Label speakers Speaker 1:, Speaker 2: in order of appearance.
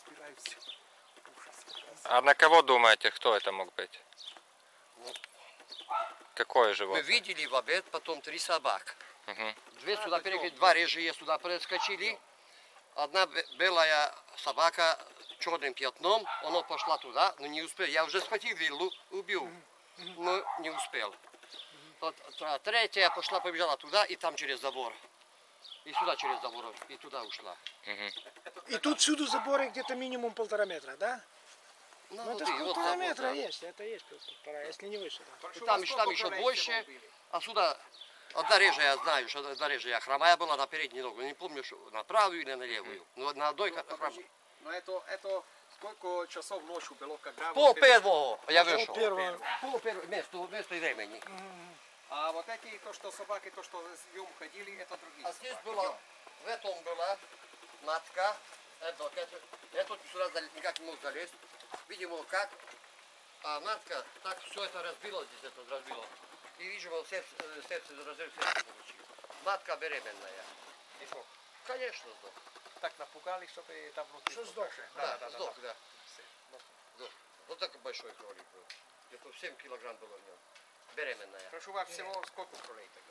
Speaker 1: собираю все. Ужас.
Speaker 2: А на кого думаете, кто это мог быть?
Speaker 3: Ну,
Speaker 2: Какое
Speaker 3: мы
Speaker 2: животное?
Speaker 3: видели в обед потом 3 собак.
Speaker 2: Угу.
Speaker 3: Две сюда перекрыли, два рыжие сюда проскочили. Одна белая собака черным пятном, она пошла туда, но не успел. Я уже схватил виллу, убил, но не успел. Вот, третья пошла, побежала туда и там через забор. И сюда через забор, и туда ушла.
Speaker 1: И тут всюду заборы где-то минимум 1,5 метра, да?
Speaker 3: Ну,
Speaker 1: Ну это
Speaker 3: вот
Speaker 1: ж
Speaker 3: и вот
Speaker 1: 1,5
Speaker 3: забор,
Speaker 1: метра
Speaker 3: да.
Speaker 1: есть, это есть 1,5, если не выше. Да.
Speaker 3: И там еще больше, а сюда одна рыжая, я знаю, что одна рыжая хромая была на переднюю ногу. Не помню, что на правую или на левую. Но на одной хромой.
Speaker 4: Но это сколько часов ночью было, когда...
Speaker 3: Пол первого я вышел.
Speaker 1: Первого.
Speaker 3: Пол первого, место времени.
Speaker 4: А вот эти, то, что собаки, то, что с днем ходили, это другие
Speaker 3: А здесь
Speaker 4: собаки.
Speaker 3: была, в этом была матка, это сюда никак не мог залезть. Видимо, как, а матка так все это разбила, здесь это разбила. И, видимо, сердце разрыв сердца получил. Матка беременная.
Speaker 4: И что?
Speaker 3: Конечно, сдох.
Speaker 4: Так напугали, чтобы там внутри...
Speaker 1: Что сдох?
Speaker 3: Да, сдох, да. Сдох. Вот такой большой кролик был. Где-то 7 килограмм было в нем. Беременная.
Speaker 4: Прошу вас, всего сколько кролей тогда?